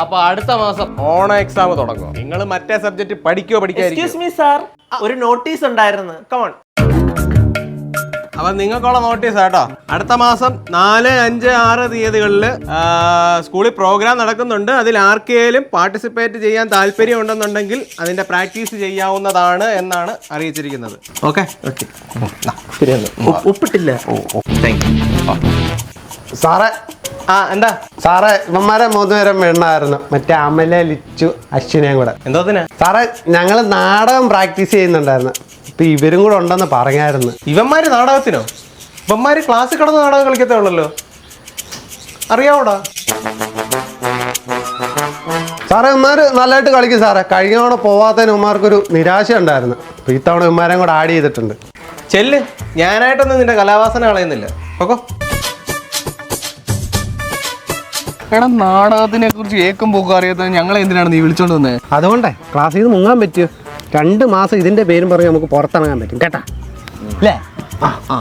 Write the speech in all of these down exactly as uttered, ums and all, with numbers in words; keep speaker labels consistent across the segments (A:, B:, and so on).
A: അപ്പൊ അടുത്ത മാസം ഓണ എക്സാം തുടങ്ങും. നിങ്ങൾ മറ്റേ സബ്ജക്ട് പഠിക്കോ പഠിക്കാതിരിക്കോ?
B: എക്സ്ക്യൂസ് മീ സാർ, ഒരു നോട്ടീസ് ഉണ്ടായിരുന്നു. കമോൺ.
A: അപ്പൊ നിങ്ങൾക്കുള്ള നോട്ടീസ് കേട്ടോ. അടുത്ത മാസം നാല് അഞ്ച് ആറ് തീയതികളിൽ സ്കൂളിൽ പ്രോഗ്രാം നടക്കുന്നുണ്ട്. അതിൽ ആർക്കെങ്കിലും പാർട്ടിസിപ്പേറ്റ് ചെയ്യാൻ താല്പര്യം ഉണ്ടെന്നുണ്ടെങ്കിൽ അതിന്റെ പ്രാക്ടീസ് ചെയ്യാവുന്നതാണ് എന്നാണ് അറിയിച്ചിരിക്കുന്നത്. ഓക്കെ ഓക്കെ
B: ഒപ്പിട്ടില്ല.
C: സാറേ
A: ആ എന്താ
C: സാറേ ഇവന്മാരെ മൂന്ന് പേരും വേണമായിരുന്നു, മറ്റേ അമല ലിച്ചു അശ്വിനെയും കൂടെ.
A: എന്തോത്തിനാ
C: സാറേ ഞങ്ങൾ നാടകം പ്രാക്ടീസ് ചെയ്യുന്നുണ്ടായിരുന്നു. ഇപ്പൊ ഇവരും കൂടെ ഉണ്ടെന്ന് പറഞ്ഞായിരുന്നു.
A: ഇവന്മാര് നാടകത്തിനോ? ഇവന്മാര് ക്ലാസ്സിൽ കിടന്ന് നാടകം കളിക്കത്തേ ഉള്ളല്ലോ, അറിയാവൂടാ?
C: സാറേ ഇവന്മാര് നല്ലതായിട്ട് കളിക്കും സാറേ. കഴിഞ്ഞ തവണ പോവാത്തതിന് ഇവന്മാർക്കൊരു നിരാശ ഉണ്ടായിരുന്നു. അപ്പൊ ഇത്തവണ ഇവന്മാരെയും കൂടെ ആഡ് ചെയ്തിട്ടുണ്ട്.
A: ചെല്ല്, ഞാനായിട്ടൊന്നും നിന്റെ കലാവാസന കളയുന്നില്ല. ഓക്കോ.
D: എടാ നാടകത്തിനെ കുറിച്ച് ഏക്കും പോക്കും അറിയാത്ത ഞങ്ങളെ എന്തിനാണ് നീ വിളിച്ചോണ്ട് വന്നത്?
C: അതുകൊണ്ടേ ക്ലാസ്സിൽ നിന്ന് മുങ്ങാൻ പറ്റുമോ? രണ്ട് മാസം ഇതിന്റെ പേരും പറഞ്ഞ് നമുക്ക് പുറത്തിറങ്ങാൻ പറ്റും കേട്ടാ അല്ലേ? ആ ആ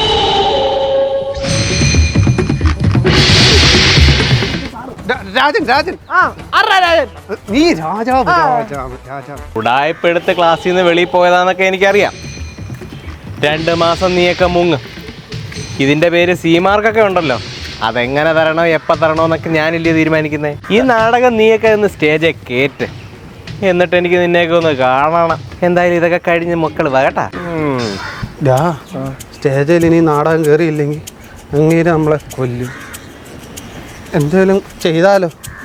C: രാജൻ രാജൻ നീ രാജാവ് രാജാവ് രാജാവ്
A: ഉടായ്പെടുത്ത് ക്ലാസ്സിൽ നിന്ന് വെളിയിൽ പോയതാന്നൊക്കെ എനിക്കറിയാം. രണ്ട് മാസം നീയൊക്കെ മുങ്ങ്. ഇതിന്റെ പേര് സി മാർക്കൊക്കെ ഉണ്ടല്ലോ, അതെങ്ങനെ തരണോ എപ്പോൾ തരണോ എന്നൊക്കെ ഞാനില്ലേ തീരുമാനിക്കുന്നത്. ഈ നാടകം നീയൊക്കെ ഒന്ന് സ്റ്റേജെ കേറ്റ്, എന്നിട്ട് എനിക്ക് നിന്നെയൊക്കെ ഒന്ന് കാണണം. എന്തായാലും ഇതൊക്കെ കഴിഞ്ഞ് മക്കൾ വകട്ടാ.
C: സ്റ്റേജിൽ ഇനി നാടകം കയറിയില്ലെങ്കിൽ അങ്ങേര് നമ്മളെ കൊല്ലും. എന്തേലും ചെയ്താലോ?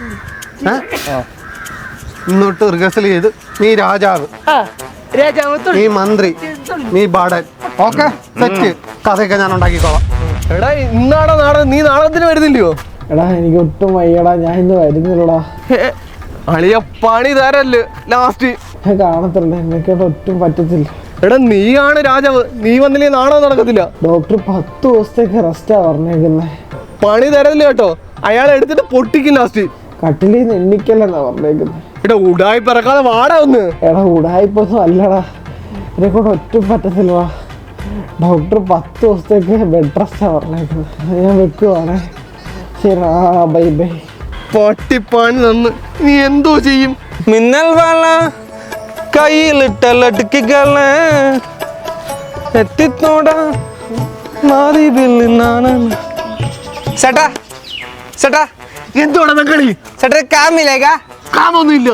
C: ഇന്നോട്ട് റിഹേഴ്സൽ ചെയ്ത് നീ രാജാവ്, നീ മന്ത്രി, നീ ബാടൻ. Okay set. കഥയൊക്കെ ഞാൻ ഉണ്ടാക്കിക്കോളാം.
D: എടാ ഇന്നാടോ നാടകം, നീ നാടകത്തിന് വരുന്നില്ലയോ?
E: എടാ എനിക്ക് ഒട്ടും വയ്യടാ, ഞാൻ ഇന്ന് വരുന്നില്ലടാ.
D: അളിയ പണി തരല്ലേ ലാസ്റ്റ്.
E: ഞാൻ കാണത്തില്ല, എന്നെക്കൊണ്ട് ഒട്ടും പറ്റത്തില്ല.
D: എടാ നീയാണ് രാജാവ്, നീ വന്നില്ലേ നാടകം നടക്കത്തില്ല.
E: ഡോക്ടർ പത്ത് ദിവസത്തേക്ക് റെസ്റ്റാ പറഞ്ഞേക്കുന്നേ.
D: പണി തരല്ലേ കേട്ടോ, അയാളെ എടുത്തിട്ട് പൊട്ടിക്കും ലാസ്റ്റ്.
E: കട്ടിലിൽ നിന്ന് എണ്ണിക്കല്ലെന്നാ പറഞ്ഞേക്കുന്നത്.
D: എടാ ഉടായി പിറക്കാതെ വാടാ ഒന്ന്.
E: എടാ ഉടായിപ്പൊന്നും അല്ലടാ, എന്നെക്കൊണ്ട് ഒട്ടും പറ്റത്തില്ലടാ. ഡോക്ടർ പത്ത് ദിവസത്തേക്ക് ബെഡ് റെസ്റ്റാ പറഞ്ഞേക്കുന്നത്. ഞാൻ വെക്കുവാണേ. ശരി, ആ ബൈ ബൈ.
D: പൊട്ടിപ്പാണി തന്ന് നീ എന്തോ ചെയ്യും?
A: മിന്നൽ വാള കയ്യിലിട്ട ലടുക്കികളെ എത്തിത്തോടാ മാറി ബില്ലിനാണ്. ചേട്ടാ ചേട്ടാ
D: എന്തോടാ ബംഗാളി?
A: ചേട്ടാ കാമില്ലേക്കാ?
D: കാമൊന്നുമില്ല.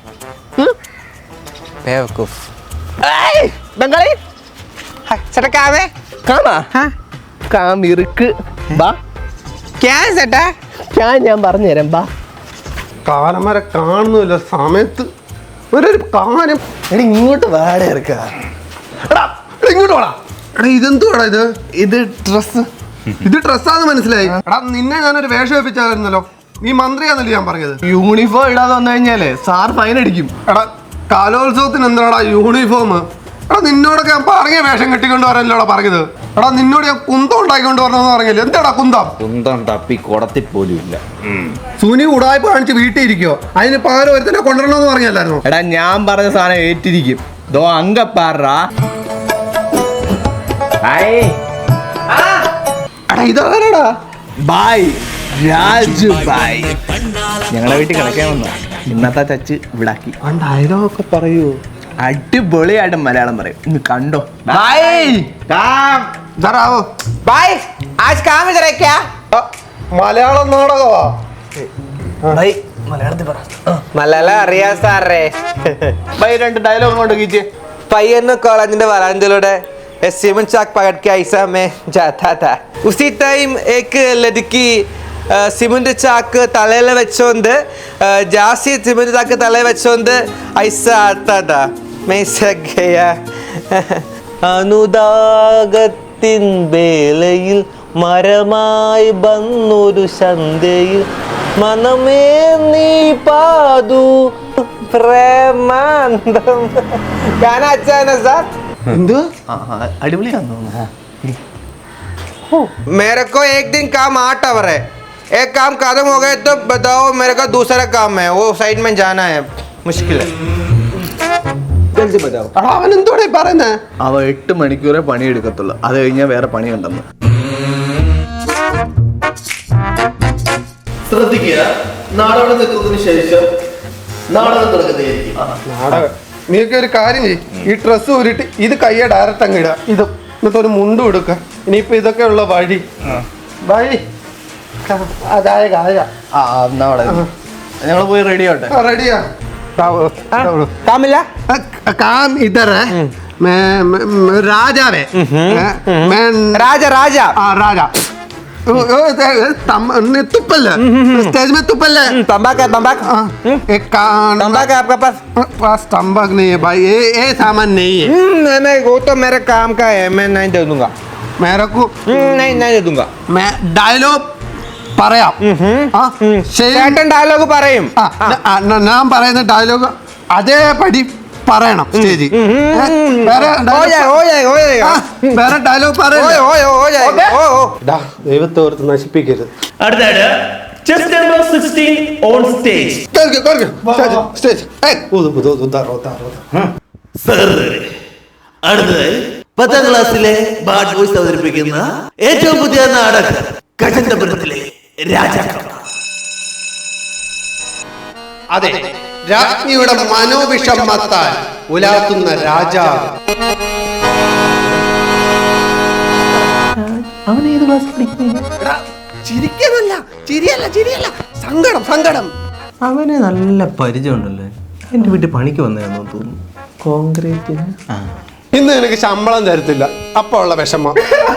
D: ബംഗാളി
A: ചേട്ടാ കാമേ
D: കാമാ കാമിറുക്ക് ബാ.
A: ക്യാൻ ചേട്ടാ
D: ഞാൻ ഞാൻ പറഞ്ഞു തരാം ബാ.
C: കാലം വരെ കാണുന്നില്ല സമയത്ത് ഒരു കാര്യം.
D: എടാ ഇങ്ങോട്ട് വാട ഇറക്കാ.
C: എടാ ഇങ്ങോട്ട് വാടാ. എടാ ഇതെന്തുവാടാ ഇത്?
D: ഇത് ഡ്രസ്.
C: ഇത് ഡ്രസ്സാന്ന് മനസ്സിലായി. എടാ നിന്നെ ഞാനൊരു വേഷം വെപ്പിച്ചായിരുന്നല്ലോ, നീ മന്ത്രിയാന്നല്ലേ ഞാൻ പറഞ്ഞത്.
D: യൂണിഫോം ഇടാതെ വന്നു കഴിഞ്ഞാലേ സാർ ഫൈൻ അടിക്കും.
C: എടാ കലോത്സവത്തിന് എന്താടാ യൂണിഫോം? എടാ നിന്നോടൊക്കെ ഞാൻ പറഞ്ഞ വേഷം കെട്ടിക്കൊണ്ട് വരാനല്ലോടാ പറഞ്ഞത്. എടാ നിന്നോട് ഞാൻ കുന്തം ഉണ്ടാക്കിക്കൊണ്ട് വരണമെന്ന് പറഞ്ഞില്ല. എന്താടാ കുന്തം?
F: കുന്തം തപ്പി കുടത്തിൽ പോലും ഇല്ല.
C: സുനി ഉടായ്പ കാണിച്ച് വീട്ടിൽ ഇരിക്കോ? അതിന് പകരം ഒരുത്തന്നെ കൊണ്ടുവരണമെന്ന് പറഞ്ഞല്ലായിരുന്നു?
D: എടാ ഞാൻ പറഞ്ഞ സാധനം ഏറ്റിരിക്കും. ദോ അങ്കപ്പാറാ.
C: എടാ ഇതാരാടാ?
D: Bye Raju bye. ഞങ്ങളുടെ വീട്ടിൽ കിടക്കാൻ വന്നോ. ഇന്നത്തെ ചച്ച് ഇവിടാക്കി.
C: ആ ഡയലോഗൊക്കെ പറയൂ.
D: അടിപൊളിയായിട്ട് മലയാളം പറയും. ഇന്ന് കണ്ടോ. ബായ്
C: ഇതാരാവോ?
A: ബായ് ആജ് കാം ഇധർ ഹൈ ക്യാ?
C: മലയാളം നാടകവാ.
D: ബായ് മലയാളത്തിൽ പറ.
A: മലയാളം അറിയാ സാറേ.
D: ബായ് രണ്ട് ഡയലോഗ് കൊണ്ട് കീച്ചേ.
A: പയ്യന്നൂർ കോളേജിന്റെ വരാന്തയിലൂടെ सीमेंट चाक पकड़ के ऐसा मैं जाता था. उसी टाइम एक लड़की സിമന്റ് ചാക്ക് തലയിൽ വെച്ചോണ്ട് ജാസി സിമന്റ് ചാക്ക് തലയിൽ വെച്ചോണ്ട് ഐസ ആട്ടാ മെസ്സഗയ. അനുദാഗത്തിൻ വേളയിൽ മരമായി വന്നൊരു സന്ധ്യയിൽ മനമേ നീ പാതു പ്രേമാന്തം. ഗാന അച്ഛാണ് സാർ.
D: എന്ത് അടിപൊളിയാന്ന് തോന്നുന്നു.
A: मेरे को एक दिन काम आठ आवर है, एक काम खत्म हो गए तो बताओ मेरे को दूसरा काम है, वो साइड में जाना है, मुश्किल है. जल्दी बताओ.
C: അവൻ എന്തോടെ പറയുന്നേ?
D: അവ എട്ട് മണിക്കൂറേ പണിയെടുക്കത്തുള്ളൂ, അത് കഴിഞ്ഞാൽ വേറെ പണിയുണ്ടെന്ന്. ശ്രദ്ധിക്കുക,
F: നാടകം നിൽക്കുന്നതിന് ശേഷം നാടകം തുടങ്ങുന്നതായിരിക്കും.
C: നാടകം നീയൊക്കെ ഒരു കാര്യം ചെയ്യ്, ഈ ഡ്രസ്സ് ഊരിട്ട് ഇത് കയ്യെ ഡയറക്റ്റ് അങ്ങ് ഇടുക. ഇത് എന്നിട്ട് ഒരു മുണ്ടും എടുക്കുക. ഇനിയിപ്പോ ഇതൊക്കെ ഉള്ള വഴി വഴി അതായ കായ
D: ആ എന്നാ അവിടെ ഞങ്ങൾ പോയി റെഡി ആവട്ടെ.
C: റെഡിയാ
E: കാമില്ല
C: काम इधर है मैं मैं- मैं राजा है मैं
E: രാജ രാജ
C: हाँ राजा ओ- ओ, ए- तम- ने तुप्पल है स्टेज में तुप्पल है
E: तंबाक है तंबाक
C: हाँ, एक कान
E: तंबाक है आपका पास
C: पास तंबाक नहीं है भाई ये ये सामान नहीं है
E: नहीं नहीं वो तो मेरे काम का है मैं नहीं दे दूंगा
C: मेरे को
E: नहीं नहीं दे दूंगा
C: मैं डायलॉग പറയാം ആ, ശരി.
E: ചേട്ടൻ ഡയലോഗ് പറയും
C: ആ, ന- ആ, ന- ഞാൻ പറയുന്ന ഡയലോഗ് അതേപടി പറയണം സ്റ്റേജിൽ വേറെ
E: हो
C: dialogue-
E: जाएगा हो जाएगा हो जाएगा
C: ആ, വേറെ ഡയലോഗ്
E: हो
C: പറയണ്ട
E: हो हो जाएगा हो हो
C: ഡാ, ദൈവത്തെ ഓർത്ത് നശിപ്പിക്കരുത്
B: അടുത്തായിട്ട് chest number sixteen on stage.
C: കേൾക്ക്, കേൾക്ക്. Stage, stage. ഏയ്, ഊത്, ഊത്, ഊത്, ഉദാ, ഉദാ, ഉദാ.
F: സർ, അടുത്തത് പത്താം ക്ലാസ്സിലെ ബാഡ് ബോയ്സ് അവതരിപ്പിക്കുന്ന ഏറ്റവും പുതിയ നാടകം കചന്തപുരത്തിലെ രാജാക്കൾ.
C: അതെ, രാജ്ഞിയുടെ മനോവിഷമത്താൽ ഉലാത്തുന്ന രാജാവ്. എടാ, ചിരിക്കാനല്ല, ചിരിയല്ല, ചിരിയല്ല, സങ്കടം, സങ്കടം.
A: അവന് നല്ല പരിചയമുണ്ടല്ലോ. എൻ്റെ വീട്ടിൽ പണിക്ക് വന്നതാണെന്ന് തോന്നുന്നു. കോൺക്രീറ്റിന്
C: ഇന്ന് എനിക്ക് ശമ്പളം തരത്തില്ല, അപ്പൊ ഉള്ള വിഷമം.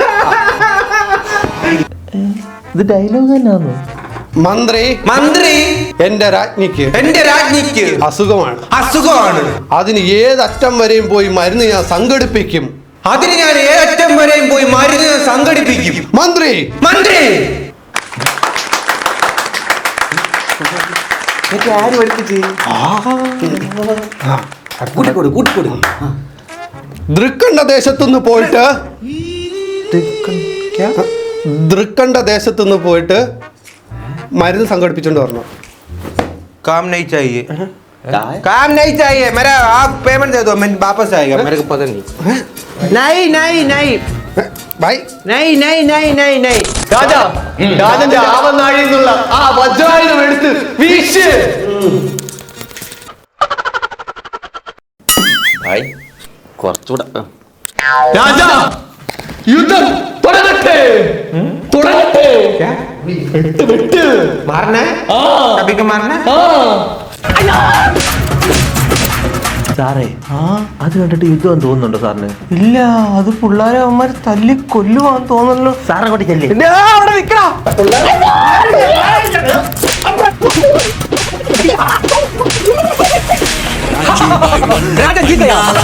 A: ഇത് ഡയലോഗ് തന്നെയാണോ?
C: മന്ത്രി
E: മന്ത്രി
C: എന്റെ രാജ്ഞിക്ക്
E: എന്റെ രാജ്ഞിക്ക്
C: അസുഖമാണ്.
E: അസുഖമാണ്
C: അതിന് ഏതറ്റം വരെയും പോയി മരുന്ന് ഞാൻ സംഘടിപ്പിക്കും.
E: അതിന് ഞാൻ ഏറ്റവും വരെയും പോയി മരുന്ന് സംഘടിപ്പിക്കും.
C: മന്ത്രി
E: മന്ത്രി
C: ദൃക്കണ്ട ദേശത്തുനിന്ന് പോയിട്ട് ദൃക്കണ്ട ദേശത്തുനിന്ന് പോയിട്ട് മരുന്ന് സംഘടിപ്പിച്ചോണ്ട് പറഞ്ഞു.
E: काम नहीं चाहिए काम नहीं चाहिए मेरा आप पेमेंट दे दो मैं वापस आएगा मेरे को पता नहीं नहीं नहीं नहीं
C: ബൈ.
E: नहीं नहीं नहीं नहीं नहीं
A: രാജാ, രാജന്റെ ആവനാഴിയിൽ നിന്നുള്ള ആ വജ്രായുധം എടുത്ത് വീശ്.
F: ആയി, കുറച്ചുകൂടെ ആ.
A: രാജാ, യുദ്ധം തുടങ്ങട്ടെ, തുടങ്ങട്ടെ.
E: मारना है कभी को मारना है
A: സാറേ, അത് കണ്ടിട്ട് യുദ്ധം തോന്നുന്നുണ്ടോ സാറിന്?
E: ഇല്ല അത് പിള്ളേരെ അവന്മാർ തല്ലി കൊല്ലുവാന്ന് തോന്നല്ലോ
A: സാറെ കൊണ്ട് ചെല്ലേ.
E: അവിടെ നിക്കണോ രാജ ജീതയാ